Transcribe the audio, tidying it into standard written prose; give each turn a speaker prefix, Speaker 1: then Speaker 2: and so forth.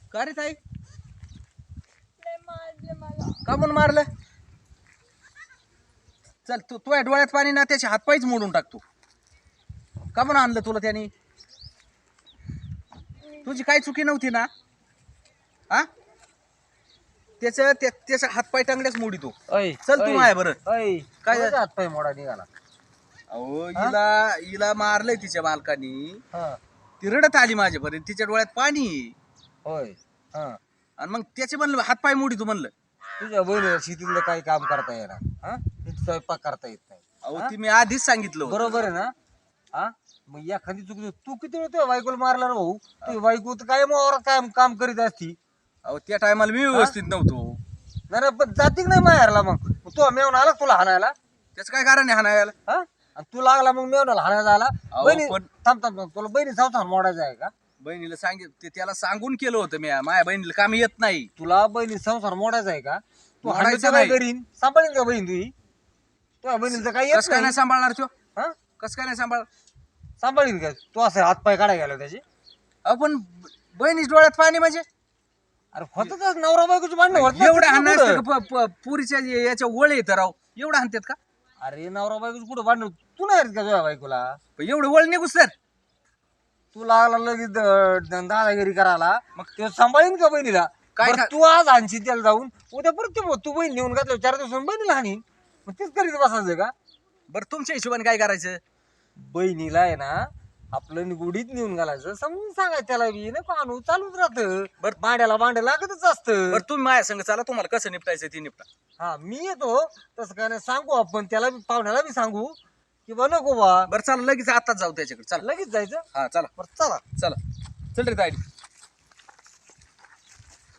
Speaker 1: का रे ताई?
Speaker 2: लय मारले मला.
Speaker 1: का म्हणून मारलं? चल तू तुझ्या डोळ्यात पाणी ना त्याचे हातपायच मोडून टाकतो. का म्हणून आणलं तुला त्याने? तुझी काही चुकी नव्हती ना? हा त्याचा हातपाय टांगल्याच मोडीतो.
Speaker 3: ऐ
Speaker 1: चल तू माय बरं.
Speaker 3: ऐ
Speaker 1: काय
Speaker 3: काय हात पाय मोडा निघाला?
Speaker 1: अहो हिला मारलंय तिच्या मालकानी.
Speaker 3: हा
Speaker 1: ती रडत आली माझ्यापर्यंत, तिच्या डोळ्यात पाणी.
Speaker 3: होय. हा
Speaker 1: आणि मग त्याचे म्हणलं हातपाय मोडीतो म्हणलं.
Speaker 3: तुझ्या बहिणीला शेतीतलं काही काम करता येणार? हा नीट स्वयंपाक करता येत नाही.
Speaker 1: अहो ती मी आधीच सांगितलं होतं.
Speaker 3: बरोबर आहे ना? हा मग एखादी चुकी तू किती वेळ तुझ्या बायकोला मारला रे भाऊ? तुझी बायको तर काय वावरात काय काम करीत असती.
Speaker 1: अहो त्या टायमाला मी व्यवस्थित नव्हतो.
Speaker 3: नाही रे, पण जाती की नाही माहेरला? मग तू मेवून आला तुला हाणायला?
Speaker 1: त्याचं काय कारण आहे हाणायला?
Speaker 3: हा आणि तू लागला मग मेवण्याला हाणायला आला?
Speaker 1: अहो,
Speaker 3: बहिणी
Speaker 1: पण-
Speaker 3: थांब थांब थांब. तुला बहिणी संसार मोडायचा आहे का?
Speaker 1: बहिणीला त्याला सांगून केलं होतं मी, माझ्या बहिणीला काम येत नाही.
Speaker 3: तुला बहिणी संसार मोडायचा आहे का? तू
Speaker 1: मोडायचा
Speaker 3: हाणायचं काय
Speaker 1: नाही.
Speaker 3: करीन? सांभाळीन का बहीण तुझी? तुझ्या बहिणीचं काही येत
Speaker 1: कस काय
Speaker 3: नाही.
Speaker 1: नाही सांभाळणार तो?
Speaker 3: हा
Speaker 1: कस काय नाही सांभाळ?
Speaker 3: सांभाळीन का तू? असं हातपाय काढायला गेला त्याची?
Speaker 1: अहो पण बहिणीच्या डोळ्यात पाणी म्हणजे
Speaker 3: अरे होतच नवरा बायकोची भांडण होत
Speaker 1: एवढं
Speaker 3: नसतात
Speaker 1: हाणं
Speaker 3: ना
Speaker 1: असतं
Speaker 3: कुठं.
Speaker 1: का? पुरीच्या याच्या वळ येतं राव, एवढं हाणतात का?
Speaker 3: अरे नवरा बायकोची कुठं भांडण? तू नाही रे का तुझ्या बायकोला?
Speaker 1: पण एवढं वळ निघूस तर
Speaker 3: तू लागला लगेच दादागिरी करायला, मग ते सांभाळीन का बहिणीला?
Speaker 1: काय
Speaker 3: बरं, तू आज हाणशील त्याला जाऊन, उद्या परत तू बहीण नेऊन घातलं 4 दिवसांनी बहिणीला हाणीन. मग तेच करीत बसायचं का?
Speaker 1: बरं तुमच्या हिशोबाने काय करायचं?
Speaker 3: बहिणीला आहे ना आपलं गुढीत नेऊन घालायचं, समजून सांगायचं त्याला बी नको आणू, चालूच राहतं.
Speaker 1: बरं.
Speaker 3: भांड्याला भांडं लागतच असतं.
Speaker 1: बरं तुम्ही माझ्या संग चला, तुम्हाला कसं निपटायचं ते निपटा.
Speaker 3: हा मी येतो, तसं काय नाही सांगू आपण त्याला बी, पाहुण्याला बी सांगू की बा नको बा,
Speaker 1: बरं चला लगेच आताच जाऊ त्याच्याकडे. चला
Speaker 3: लगेच जायचं.
Speaker 1: हा चला
Speaker 3: बरं चला.
Speaker 1: चला. चल रे तायडी.